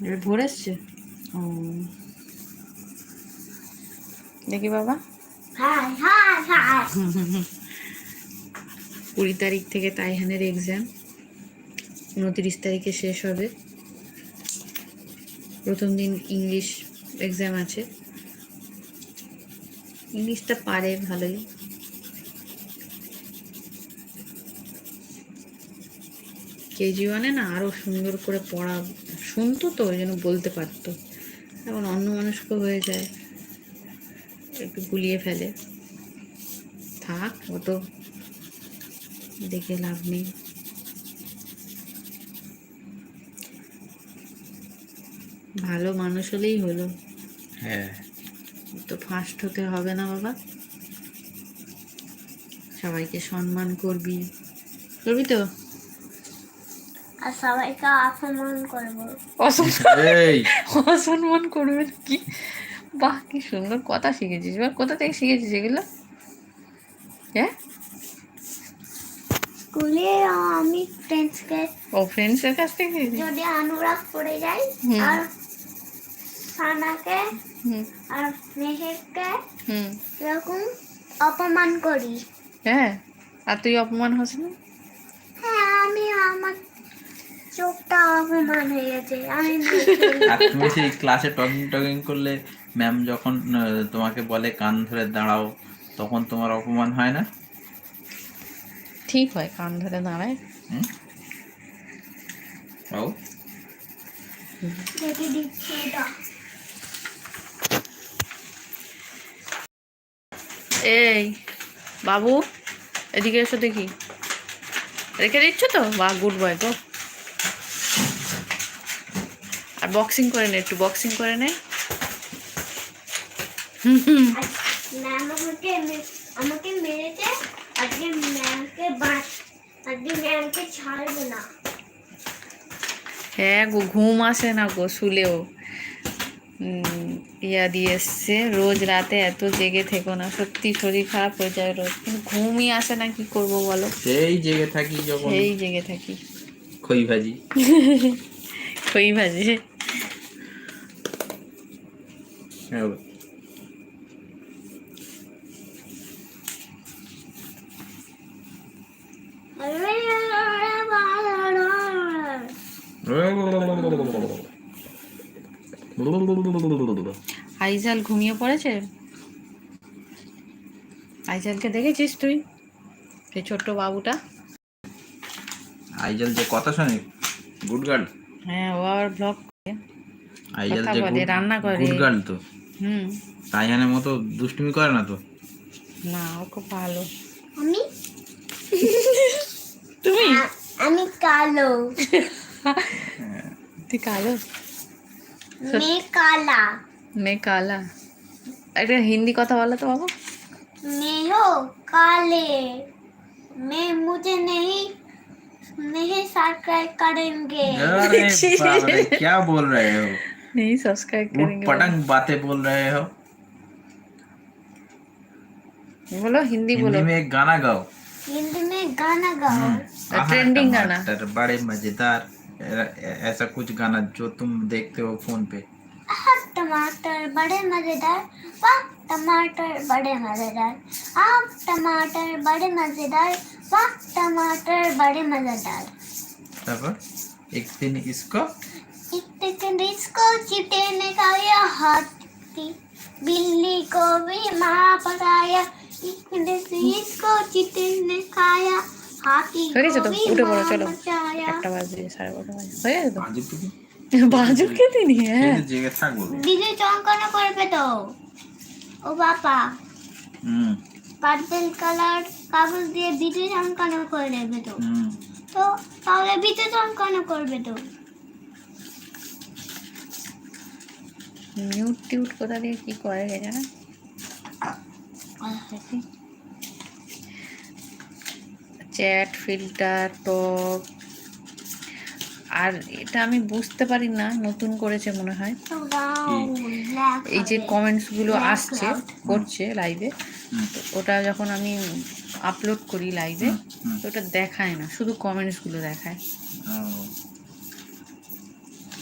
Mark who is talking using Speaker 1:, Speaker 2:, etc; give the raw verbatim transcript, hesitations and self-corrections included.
Speaker 1: এটা ভোর এসছে। ও দেখি বাবা, কুড়ি তারিখ থেকে তাইহানের এক্সাম, উনত্রিশ তারিখে শেষ হবে। প্রথম দিন ইংলিশ এক্সাম আছে। ইংলিশটা পারে ভালোই। কেজি ওয়ানে না আরো সুন্দর করে পড়া শুনতো, তো ওই জন্য বলতে পারতো। এখন অন্যমনস্ক হয়ে যায়, একটু গুলিয়ে ফেলে। থাক, অত দেখে লাভ নেই। ভালো মানুষ হলেই হলো।
Speaker 2: হ্যাঁ,
Speaker 1: তো ফার্স্ট হতে হবে না বাবা। সবাইকে সম্মান করবি, করবি তো।
Speaker 3: আর সবাইকে অসম্মান করবো।
Speaker 2: এই
Speaker 1: অসম্মান করবে কি? বাহ, কি সুন্দর কথা শিখেছিস। এবার কোথা থেকে শিখেছিস এগুলো? হ্যাঁ,
Speaker 3: স্কুলে আমি ফ্রেন্ডসকে,
Speaker 1: ও ফ্রেন্ডসের কাছ থেকে শিখেছিস?
Speaker 3: যদি অনুরাগ পড়ে যায়
Speaker 1: হুম।
Speaker 3: আর সানাকে
Speaker 1: হুম
Speaker 3: আর মেহেককে
Speaker 1: হুম
Speaker 3: এরকম অপমান করি।
Speaker 1: হ্যাঁ, আর তুই অপমান হস না?
Speaker 3: হ্যাঁ, আমি আমার চোখটা অপমান হয়ে গেছে। আমি
Speaker 2: আর তুমি সেই ক্লাসে টকিং টকিং করলে ম্যাম যখন আহ, তোমাকে বলে কান ধরে দাঁড়াও, তখন তোমার অপমান হয় না?
Speaker 1: ঠিক হয়, কান ধরে দাঁড়ায়।
Speaker 2: হুম? ও
Speaker 3: দেখে দিচ্ছি এটা।
Speaker 1: এই বাবু, এদিকে এসো দেখি। রেখে দিচ্ছ তো? বা গুড বয় গো। আর বক্সিং করে নে, একটু বক্সিং করে নে।
Speaker 3: আজ ম্যাম আমাকে মে- আমাকে মেরেছে। আজকে ম্যামকে বাঁচ, আজকে ম্যামকে ছাড়বে না।
Speaker 1: হ্যাঁ গো, ঘুম আসে না গো শুলেও। উম, ইয়া দিয়ে এসছে, রোজ রাতে এত জেগে থেকো না, সত্যি শরীর খারাপ হয়ে যায় রোজ। কিন্তু ঘুমই আসে না, কি করবো বলো?
Speaker 2: সেই জেগে থাকি যখন
Speaker 1: সেই জেগে থাকি।
Speaker 2: খই ভাজি।
Speaker 1: খই ভাজে।
Speaker 2: হ্যাঁ।
Speaker 1: আইজাল ঘুমিয়ে পড়েছে। আইজালকে দেখেছিস তুই? সেই ছোট্ট বাবুটা।
Speaker 2: আইজাল যে কথা শোনে, গুড গার্ল।
Speaker 1: হ্যাঁ, ও আবার ব্লগ করে,
Speaker 2: আইজাল
Speaker 1: কথা
Speaker 2: যে
Speaker 1: বলে,
Speaker 2: গুড
Speaker 1: রান্না করে।
Speaker 2: গুড গার্ল তো।
Speaker 1: হুম।
Speaker 2: তাইহানের মতো দুষ্টুমি করে না তো।
Speaker 1: না, ও খুব ভালো।
Speaker 3: আমি
Speaker 1: তুমি
Speaker 3: আ- আমি কালো,
Speaker 1: তুই কালো?
Speaker 3: মেয়ে কালা।
Speaker 1: मैं काला। একটা হিন্দি কথা বলো তো বাবু।
Speaker 3: मैं हो काले, मैं मुझे नहीं नहीं सब्सक्राइब करेंगे।
Speaker 2: अरे बाप रे, क्या बोल रहे हो?
Speaker 1: नहीं सब्सक्राइब
Speaker 2: उठ
Speaker 1: करेंगे
Speaker 2: पटंग बातें बोल रहे हो।
Speaker 1: बोलो, बोलो हिंदी
Speaker 2: हिंदी
Speaker 1: बोलो।
Speaker 2: में एक गाना गाओ।
Speaker 3: हिंदी में गाना गाओ।
Speaker 2: आहा,
Speaker 1: ट्रेंडिंग गाना।
Speaker 2: टमाटर बड़े मजेदार, ऐ- ऐसा कुछ गाना जो तुम देखते हो फोन पे।
Speaker 3: आह, टमाटर बड़े मजेदार, वाह टमाटर बड़े मजेदार, आप टमाटर बड़े मजेदार, वाह टमाटर बड़े मजेदार।
Speaker 2: तापर एक दिन इसको
Speaker 3: एक दिन इसको चींटे ने खाया, हाथी बिल्ली को भी माँ पकाया। एक दिन इसको चींटे ने खाया, हाथी
Speaker 1: হয়ে গেছে
Speaker 3: को
Speaker 1: তো,
Speaker 3: भी
Speaker 1: উঠে পড়ো
Speaker 3: माँ
Speaker 1: চলো।
Speaker 3: पकाया।
Speaker 1: একটা বাজে, সাড়ে বারোটা বাজে, হয়ে গেছে তো।
Speaker 2: बाजू टुकी
Speaker 1: বাজুকে তিনি, হ্যাঁ।
Speaker 2: জেগে থাকবো।
Speaker 3: বিজয় চমকানো করবে তো ও বাবা,
Speaker 2: হুম
Speaker 3: পার্পল কালার কাগজ দিয়ে বিজয় চমকানো করে দেবে তো।
Speaker 2: হুম
Speaker 3: তো তাহলে বিজয় চমকানো করবে তো।
Speaker 1: মিউট টিউট কোথা দিয়ে কি করে কে জানে। চ্যাট ফিল্টার টপ, আর এটা আমি বুঝতে পারি না, নতুন করেছে মনে হয়। এই যে কমেন্টস গুলো আসছে করছে লাইভে, তো ওটা যখন আমি আপলোড করি লাইভে, তো ওটা দেখায় না, শুধু কমেন্টস গুলো দেখায়।
Speaker 2: ও